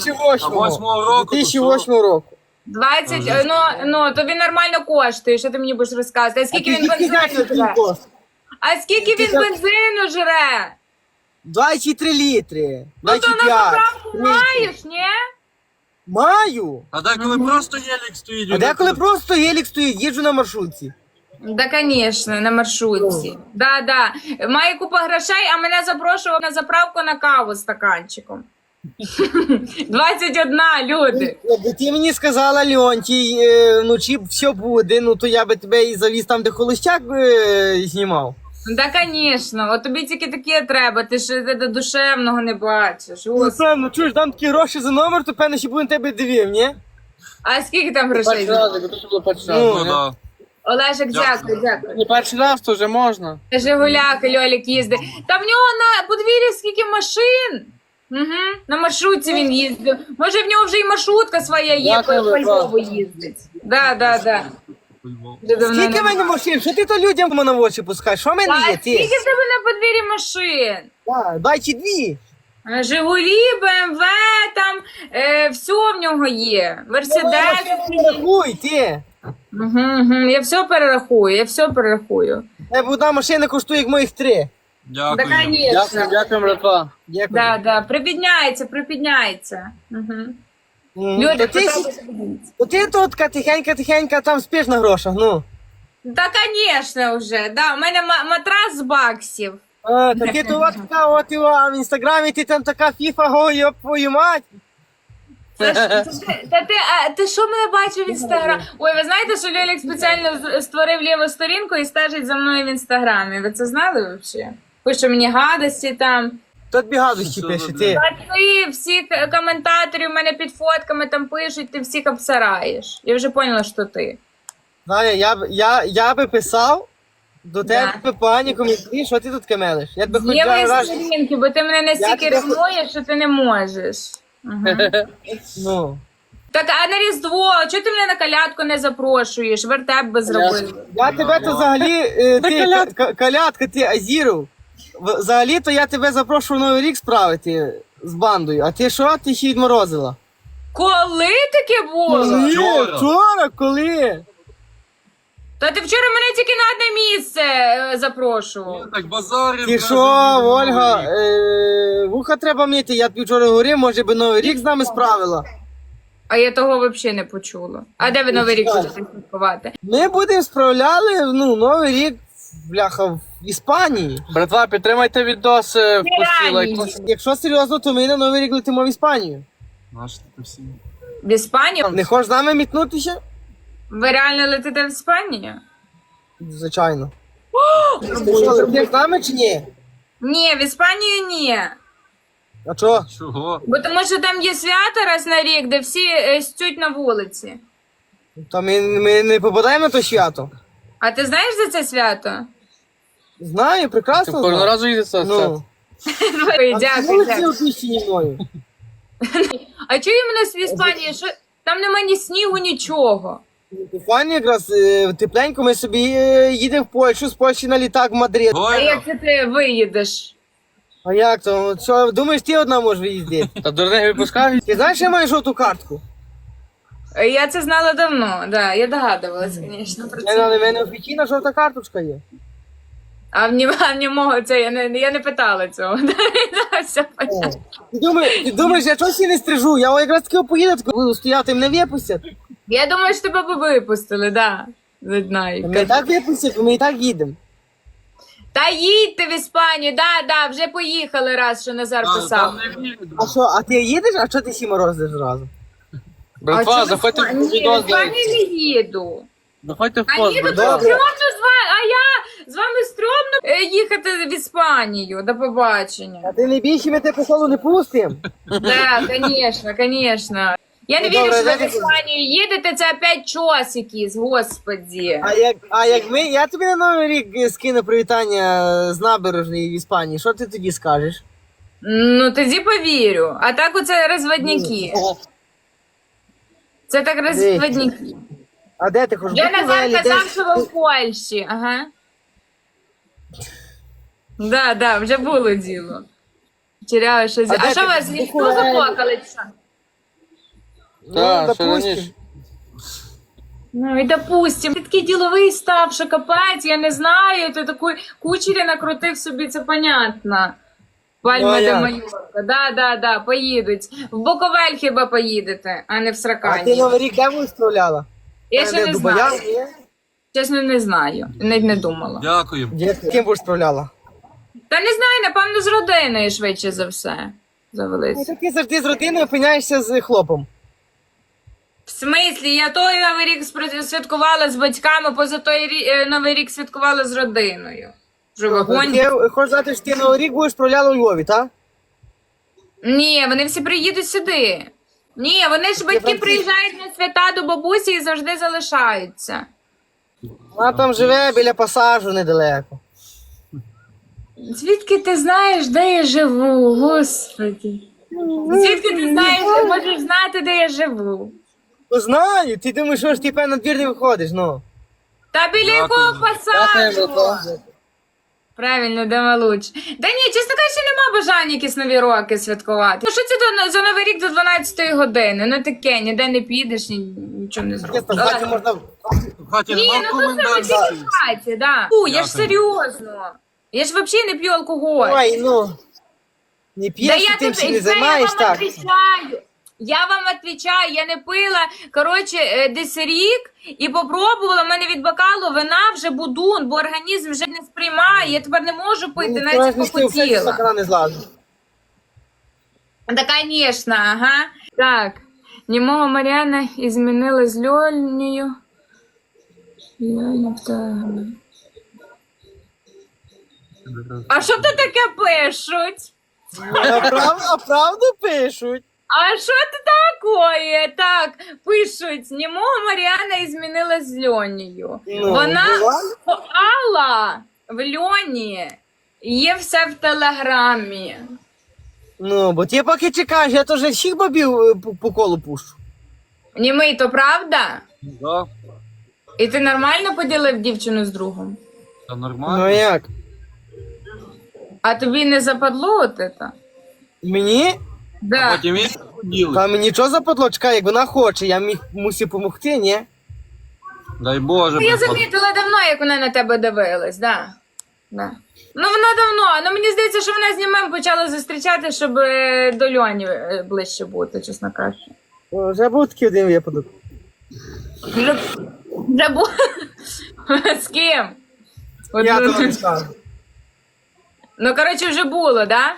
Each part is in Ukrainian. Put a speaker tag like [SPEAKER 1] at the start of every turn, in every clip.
[SPEAKER 1] 2008 року.
[SPEAKER 2] 2008 року.
[SPEAKER 3] 20, ну, тобі нормально коштує, що ти мені будеш розказувати. А скільки він бензину жре? А скільки він бензину жре?
[SPEAKER 2] 23 літри.
[SPEAKER 3] Ну, то на
[SPEAKER 2] 25.
[SPEAKER 3] заправку маєш, ні?
[SPEAKER 2] Маю.
[SPEAKER 1] А деколи просто єлік стоїть.
[SPEAKER 2] А деколи просто гелік стоїть, їжджу на маршрутці.
[SPEAKER 3] Да, конечно, на маршрутці. Да. Має купа грошей, а мене запрошував на заправку на каву з стаканчиком. 21, люди.
[SPEAKER 2] Якби ти мені сказала, Леонтій, вночі все буде, ну то я би тебе і завіз там, де холостяк знімав.
[SPEAKER 3] Да, конечно. От тобі тільки таке треба, ти ж до душевного не бачиш.
[SPEAKER 2] Ну, певно, чуєш, дам такі гроші за номер, то певно, ще буде на тебе дивив, ні?
[SPEAKER 3] А скільки там грошей?
[SPEAKER 1] Ну, да.
[SPEAKER 3] Олежик, дякую.
[SPEAKER 4] Не перший раз, то вже можна.
[SPEAKER 3] Жигуляк, Льолік їздить. Та в нього на подвір'ї скільки машин. Угу. На маршрутці він їздив. Може в нього вже і маршрутка своя є, по Львову їздить. Да.
[SPEAKER 2] Скільки в мене машин? Що ти то людям на очі пускаєш? Що в мене
[SPEAKER 3] А
[SPEAKER 2] є?
[SPEAKER 3] скільки
[SPEAKER 2] Ти?
[SPEAKER 3] в тебе на подвір'ї машин?
[SPEAKER 2] Дай чи дві.
[SPEAKER 3] Жигулі, БМВ, там, все в нього є. Мерседес.
[SPEAKER 2] Рахуй, ти.
[SPEAKER 3] Угу. Я все перерахую.
[SPEAKER 2] Тебе одна машина коштує, як моїх 3.
[SPEAKER 3] Да,
[SPEAKER 1] Дякую.
[SPEAKER 3] конечно.
[SPEAKER 4] Дякую, братва.
[SPEAKER 2] Дякую.
[SPEAKER 3] Да. Припідняється. Угу. Люди,
[SPEAKER 2] То ти тут тихенько там спиш на грошах, ну.
[SPEAKER 3] Да, конечно, вже. Да, у мене матрас з баксів.
[SPEAKER 2] А, та ти то от така, от його, а в інстаграмі ти там така фіфа, го, йоп, твою мать.
[SPEAKER 3] Ти що мене бачив в інстаграмі? Ой, ви знаєте, що Льолік спеціально створив ліву сторінку і стежить за мною в інстаграмі. Ви це знали взагалі? Пише мені гадості там.
[SPEAKER 2] Тут бігадощі пише, ти.
[SPEAKER 3] А ти всіх коментаторів в мене під фотками там пишуть, ти всіх обсираєш. Я вже поняла, що ти.
[SPEAKER 2] Знаєш, я би писав до тебе погані коментарі, що ти тут кемелиш. Я тебе хоч
[SPEAKER 3] Є мої
[SPEAKER 2] раз...
[SPEAKER 3] сторінки, бо ти мене настільки
[SPEAKER 2] тебе
[SPEAKER 3] ревнуєш, що ти не можеш.
[SPEAKER 2] Ну.
[SPEAKER 3] Так, а на Різдво, чого ти мене на колядку не запрошуєш? Вертеп би зробив.
[SPEAKER 2] Я тебе то взагалі, ти, колядка, ти Азіров. Взагалі то я тебе запрошував Новий рік справити з бандою. А ти що? Ти ще відморозила.
[SPEAKER 3] Коли таке було?
[SPEAKER 2] Ні,
[SPEAKER 1] Вчора.
[SPEAKER 2] вчора, коли?
[SPEAKER 3] Та ти вчора мене тільки на одне місце запрошував.
[SPEAKER 1] Так базарів.
[SPEAKER 2] Ти що, Ольга, вуха треба мити, я тобі вчора говорив, може би Новий рік з нами справила.
[SPEAKER 3] А я того взагалі не почула. А де ви Новий рік будете святкувати?
[SPEAKER 2] Ми будемо справляли, Новий рік, бляха, в Іспанії.
[SPEAKER 4] Братва, підтримайте відос в пості лайк.
[SPEAKER 2] Якщо серйозно, то ми на Новий рік летимо в Іспанію.
[SPEAKER 1] Наш ти всі.
[SPEAKER 3] В Іспанію?
[SPEAKER 2] Не хочеш з нами мітнутися?
[SPEAKER 3] Ви реально летите в Іспанію?
[SPEAKER 2] Звичайно. Ти що, летиш з нами чи ні?
[SPEAKER 3] Ні, в Іспанію ні.
[SPEAKER 2] А чого?
[SPEAKER 1] Чого?
[SPEAKER 3] Бо тому що там є свято раз на рік, де всі стють на вулиці.
[SPEAKER 2] Та ми не попадаємо на то свято.
[SPEAKER 3] А ти знаєш за це свято?
[SPEAKER 2] Знаю, прекрасно
[SPEAKER 4] Кожного
[SPEAKER 2] знаю.
[SPEAKER 4] разу їде це.
[SPEAKER 2] Ну.
[SPEAKER 3] Ой,
[SPEAKER 2] А
[SPEAKER 3] дякую.
[SPEAKER 2] ти опущені мною.
[SPEAKER 3] А чого іменно в Іспанії? Що там нема ні снігу, нічого.
[SPEAKER 2] Файно якраз тепленько, ми собі їдемо в Польщу, з Польщі на літак в Мадрид.
[SPEAKER 3] А
[SPEAKER 1] Ой,
[SPEAKER 3] як це ти виїдеш?
[SPEAKER 2] А як то? Що, думаєш, ти одна можеш виїздити?
[SPEAKER 4] Та дурних випускають.
[SPEAKER 2] Ти знаєш, що я маю жовту картку?
[SPEAKER 3] Я це знала давно, да, я догадувалась, звісно, про це.
[SPEAKER 2] У мене офіційна жовта карточка є.
[SPEAKER 3] А в нього це я не питала цього. Все понятно.
[SPEAKER 2] Ти думаєш, я чогось не стрижу? Я якраз таки поїду, буду стояти, мене випустять.
[SPEAKER 3] Я думаю, що тебе б випустили, да. Не знаю.
[SPEAKER 2] Мене так випустять, бо ми і так їдемо.
[SPEAKER 3] Та їдьте в Іспанію, да, вже поїхали раз, що Назар писав.
[SPEAKER 2] А що, а ти їдеш, а чого ти ще морозиш зразу?
[SPEAKER 4] Братва, заходьте в
[SPEAKER 3] Ні, в
[SPEAKER 4] відос.
[SPEAKER 3] Іспанію не їду.
[SPEAKER 4] Заходьте в
[SPEAKER 3] А
[SPEAKER 4] пост,
[SPEAKER 3] їду, то
[SPEAKER 4] братва.
[SPEAKER 3] стрьомно з вами стрьомно їхати в Іспанію. До побачення.
[SPEAKER 2] А ти не більше, ми тебе по колу не пустимо.
[SPEAKER 3] Да, конечно. Я не
[SPEAKER 2] Ну,
[SPEAKER 3] вірю,
[SPEAKER 2] добре,
[SPEAKER 3] що ви в
[SPEAKER 2] знаєте,
[SPEAKER 3] Іспанію їдете, це опять час якийсь, господі.
[SPEAKER 2] А як я тобі на Новий рік скину привітання з набережної в Іспанії, що ти тоді скажеш?
[SPEAKER 3] Ну, тоді повірю. А так оце розводняки. Це так розводняки.
[SPEAKER 2] А де ти хочеш?
[SPEAKER 3] Вже
[SPEAKER 2] бути
[SPEAKER 3] Назар
[SPEAKER 2] взагалі?
[SPEAKER 3] казав,
[SPEAKER 2] Десь?
[SPEAKER 3] що ви в Польщі, ага. Да, вже було діло. Теряю щось.
[SPEAKER 2] А
[SPEAKER 3] А
[SPEAKER 2] де
[SPEAKER 3] що
[SPEAKER 2] ти?
[SPEAKER 3] вас, ніхто заплакали? Чи що?
[SPEAKER 4] Так, ще
[SPEAKER 2] допустим.
[SPEAKER 4] раніше.
[SPEAKER 3] Ну і допустим, ти такий діловий став, що капець, я не знаю, ти такий кучері накрутив собі, це понятно.
[SPEAKER 2] Ну,
[SPEAKER 3] Пальма
[SPEAKER 2] а
[SPEAKER 3] де
[SPEAKER 2] як?
[SPEAKER 3] Майорка, да, поїдуть. В Буковель хіба поїдете, а не в
[SPEAKER 2] А ти
[SPEAKER 3] Сракані.
[SPEAKER 2] Новий рік де будеш справляла?
[SPEAKER 3] Я ще не
[SPEAKER 2] Дубоян,
[SPEAKER 3] знаю,
[SPEAKER 2] ні?
[SPEAKER 3] чесно не знаю, навіть не думала.
[SPEAKER 1] Дякую.
[SPEAKER 2] Де з ким будеш справляла?
[SPEAKER 3] Та не знаю, напевно, з родиною швидше за все
[SPEAKER 2] Ну,
[SPEAKER 3] завелись.
[SPEAKER 2] то ти завжди з родиною опиняєшся з хлопом.
[SPEAKER 3] В смислі, я той Новий рік святкувала з батьками, поза той Новий рік святкувала з родиною. Вже вагон.
[SPEAKER 2] Ти хочеш сказати, що ти Новий рік будеш справляла у Львові, так?
[SPEAKER 3] Ні, вони всі приїдуть сюди. Ні, вони ж батьки
[SPEAKER 2] Франциск.
[SPEAKER 3] приїжджають на свята до бабусі і завжди залишаються.
[SPEAKER 2] Вона там живе біля пасажу недалеко.
[SPEAKER 3] Звідки ти знаєш, де я живу, господи? Звідки ти знаєш, ти можеш знати, де я живу?
[SPEAKER 2] Ну знаю, ти думаєш, що ж ти певно на двір не виходиш, ну.
[SPEAKER 3] Та біля якого
[SPEAKER 4] Дякую,
[SPEAKER 3] пасажу?
[SPEAKER 4] братан.
[SPEAKER 3] Правильно, де малуч. Та ні, чесно кажучи, нема бажання якісь нові роки святкувати. Ну що це за Новий рік до 12-ї години? Ну таке, ніде не підеш, нічого не зробиш.
[SPEAKER 2] Чесно, в хаті можна...
[SPEAKER 1] В хаті
[SPEAKER 3] Ні,
[SPEAKER 1] нема
[SPEAKER 3] ну це
[SPEAKER 1] комендантської.
[SPEAKER 3] тільки в хаті, да. Я ж
[SPEAKER 1] Дякую.
[SPEAKER 3] серйозно. Я ж взагалі не п'ю алкоголь.
[SPEAKER 2] Ой, ну. Не
[SPEAKER 3] Да
[SPEAKER 2] п'єш,
[SPEAKER 3] я
[SPEAKER 2] і тим
[SPEAKER 3] тебе,
[SPEAKER 2] всі не
[SPEAKER 3] це я
[SPEAKER 2] займаєш,
[SPEAKER 3] вам
[SPEAKER 2] так?
[SPEAKER 3] отвечаю. Я вам отвечаю, я не пила, коротше, десь рік і попробувала, в мене від бокалу вина вже будун, бо організм вже не сприймає, я тепер не можу пити,
[SPEAKER 2] Ну,
[SPEAKER 3] навіть
[SPEAKER 2] ти все
[SPEAKER 3] похотіла.
[SPEAKER 2] стакана не злазу.
[SPEAKER 3] Да, конечно, ага. Так, немого Мар'яна змінила з Льонею. А що то таке пишуть?
[SPEAKER 2] А правду пишуть?
[SPEAKER 3] А що це таке? Так, пишуть, немого Мар'яна змінила з Льонею.
[SPEAKER 2] Ну,
[SPEAKER 3] Вона
[SPEAKER 2] буває.
[SPEAKER 3] Алла в Льоні є все в Телеграмі.
[SPEAKER 2] Ну, бо ти поки чекаєш, я теж всіх бабів по колу пущу.
[SPEAKER 3] Німий, то правда?
[SPEAKER 1] Да,
[SPEAKER 3] І ти нормально поділив дівчину з другом?
[SPEAKER 1] це
[SPEAKER 2] Ну
[SPEAKER 1] нормально.
[SPEAKER 2] як?
[SPEAKER 3] А тобі не западло от це?
[SPEAKER 2] Мені?
[SPEAKER 3] Да.
[SPEAKER 1] Потім він поділить.
[SPEAKER 2] Та мені нічого западло, чекай, як вона хоче, я мусив допомогти, ні?
[SPEAKER 1] Дай Боже.
[SPEAKER 3] Ну, я
[SPEAKER 1] Боже.
[SPEAKER 3] замітила давно, як вона на тебе дивилась, да. Да. Ну вона давно, ну мені здається, що вона з німем почала зустрічати, щоб до Льоні ближче бути, чесно кажучи.
[SPEAKER 2] О, вже був такий один випадок.
[SPEAKER 3] Вже бу... З ким? От,
[SPEAKER 2] Я
[SPEAKER 3] ну,
[SPEAKER 2] тобі не скажу.
[SPEAKER 3] ну, коротше, вже було, да?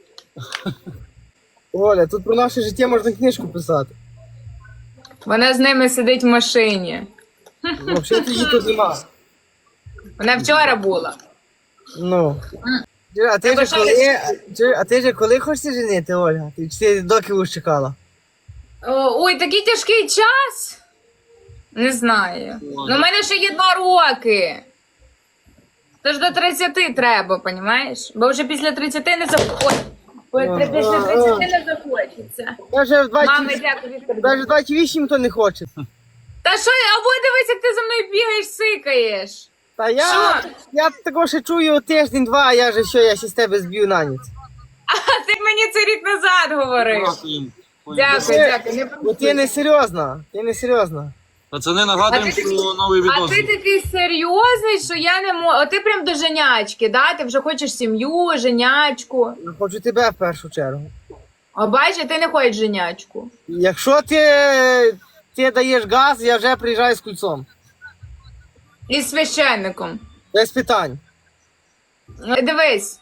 [SPEAKER 2] Оля, тут про наше життя можна книжку писати.
[SPEAKER 3] Вона з ними сидить в машині.
[SPEAKER 2] Взагалі її тут нема.
[SPEAKER 3] Вона вчора була.
[SPEAKER 2] Ну. А ти
[SPEAKER 3] Тебе
[SPEAKER 2] ж
[SPEAKER 3] що,
[SPEAKER 2] коли, а ти ж коли хочеш женити, Ольга? Ти доки будеш чекала?
[SPEAKER 3] Ой, такий тяжкий час. Не знаю. Ну, в мене ще є 2 роки. Тож до 30 треба, понімаєш? Бо вже після 30 не захочеться. Після 30 не захочеться.
[SPEAKER 2] Даже в
[SPEAKER 3] Мами,
[SPEAKER 2] 20,
[SPEAKER 3] дякую, Віктор.
[SPEAKER 2] даже 28 ніхто не хоче.
[SPEAKER 3] Та що, або дивись, як ти за мною бігаєш, сикаєш.
[SPEAKER 2] Та я,
[SPEAKER 3] Що?
[SPEAKER 2] я такого ще чую тиждень-два, а я же що, я ще з тебе зб'ю на ніч.
[SPEAKER 3] А ти мені це рік назад говорив.
[SPEAKER 1] Дякую.
[SPEAKER 3] Дякую, дякую. Не
[SPEAKER 2] Бо ти не серйозна, ти не серйозна.
[SPEAKER 1] Пацани, нагадуємо,
[SPEAKER 3] А ти
[SPEAKER 1] що новий
[SPEAKER 3] А
[SPEAKER 1] відос.
[SPEAKER 3] ти такий серйозний, що я не можу. А ти прям до женячки, да? Ти вже хочеш сім'ю, женячку.
[SPEAKER 2] Я хочу тебе в першу чергу.
[SPEAKER 3] А бачиш, ти не хочеш женячку.
[SPEAKER 2] Якщо ти даєш газ, я вже приїжджаю з кульцом.
[SPEAKER 3] І з священником.
[SPEAKER 2] Без питань.
[SPEAKER 3] Дивись.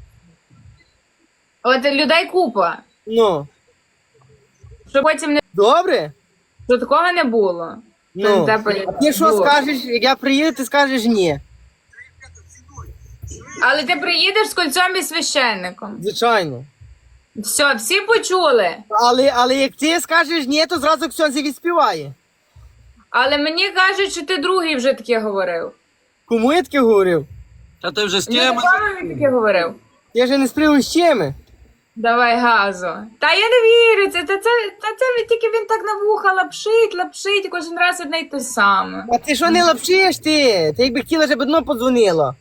[SPEAKER 3] От людей купа.
[SPEAKER 2] Ну,
[SPEAKER 3] Щоб потім не
[SPEAKER 2] добре?
[SPEAKER 3] щоб такого не було.
[SPEAKER 2] Ну,
[SPEAKER 3] Це
[SPEAKER 2] а ти що
[SPEAKER 3] було.
[SPEAKER 2] скажеш, як я приїду, ти скажеш ні.
[SPEAKER 3] Але ти приїдеш з кольцом і священником.
[SPEAKER 2] Звичайно.
[SPEAKER 3] Все, всі почули.
[SPEAKER 2] Але як ти скажеш ні, то зразу Ксьонзі відспіває.
[SPEAKER 3] Але мені кажуть, що ти другий вже таке говорив.
[SPEAKER 2] Кому я таке говорив?
[SPEAKER 1] Та ти вже з
[SPEAKER 3] Ні,
[SPEAKER 1] теми.
[SPEAKER 3] мамі таке говорив.
[SPEAKER 2] Я же не сплю з чими.
[SPEAKER 3] Давай газу. Та я не вірю, це тільки він так на вуха лапшить, і кожен раз одне й те саме.
[SPEAKER 2] А ти що не лапшиш ти? Ти якби хотіла, щоб одно подзвонила.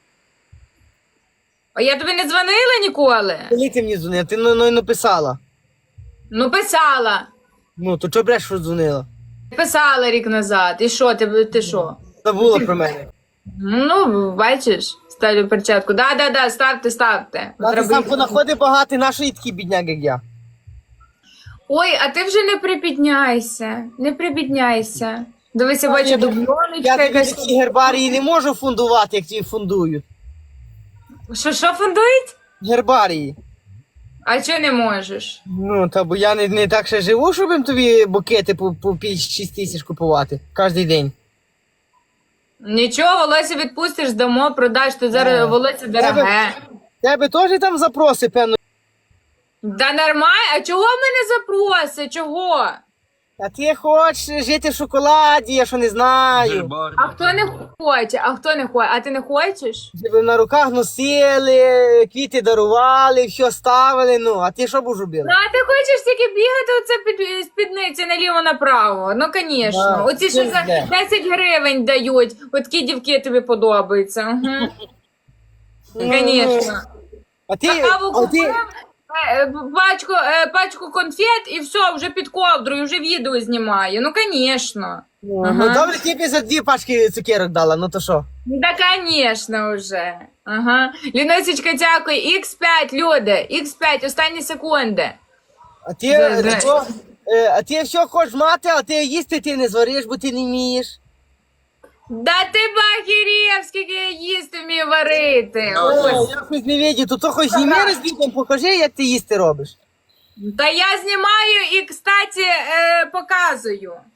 [SPEAKER 3] А я тобі не дзвонила ніколи?
[SPEAKER 2] Коли ти мені дзвонила? Ти написала.
[SPEAKER 3] Ну, писала.
[SPEAKER 2] Ну, то чого бреш, що дзвонила?
[SPEAKER 3] Писала рік назад. І що, ти що?
[SPEAKER 2] Забула про мене.
[SPEAKER 3] Ну, бачиш, ставлю перчатку. Да, ставте.
[SPEAKER 2] А ти сам понаходи багатий, нашої такі бідняк, як я.
[SPEAKER 3] Ой, а ти вже не прибідняйся. Дивися, бачу,
[SPEAKER 2] Я
[SPEAKER 3] дубльоночка
[SPEAKER 2] тобі
[SPEAKER 3] якась.
[SPEAKER 2] такі гербарії не можу фундувати, як ті фундують.
[SPEAKER 3] Що фундують?
[SPEAKER 2] Гербарії.
[SPEAKER 3] А чого не можеш?
[SPEAKER 2] Ну, та бо я не так ще живу, щоб їм тобі букети по 5-6 тисяч купувати кожен день.
[SPEAKER 3] Нічого, волосся відпустиш, дамо, продаш, тут зараз волосся дороге.
[SPEAKER 2] Тебе теж там запроси, певно.
[SPEAKER 3] Да нормально, а чого мене запроси? Чого?
[SPEAKER 2] А ти хочеш жити в шоколаді, я що не знаю.
[SPEAKER 1] Гербар.
[SPEAKER 3] А хто не хоче? А ти не хочеш?
[SPEAKER 2] Щоб на руках носили, квіти дарували, все ставили, ну, а ти що будеш робити?
[SPEAKER 3] Ну, а ти хочеш тільки бігати оце під спідниці наліво-направо? Ну, звісно.
[SPEAKER 2] Да,
[SPEAKER 3] Оці що за
[SPEAKER 2] пизде.
[SPEAKER 3] 10 гривень дають, от такі дівки тобі подобаються. Угу. Звісно.
[SPEAKER 2] А ти,
[SPEAKER 3] Каву
[SPEAKER 2] а ти,
[SPEAKER 3] купив, пачку конфет і все, вже під ковдрою, вже відео знімаю. Ну, звісно.
[SPEAKER 2] ну добре, ти б за 2 пачки цукерок дала, ну то що?
[SPEAKER 3] Да, конечно, вже. Ага. Ліносечка, дякую. X5, люди. X5, останні секунди.
[SPEAKER 2] А ти,
[SPEAKER 3] Да.
[SPEAKER 2] а ти все хочеш мати, а ти їсти ти не звариш, бо ти не вмієш.
[SPEAKER 3] Да ти бахірєв, скільки я їсти вмію варити.
[SPEAKER 1] Ну,
[SPEAKER 3] Ось.
[SPEAKER 2] Я хоч не видів, то хоч зніми розвідом, покажи, як ти їсти робиш.
[SPEAKER 3] Та я знімаю і, кстати, показую.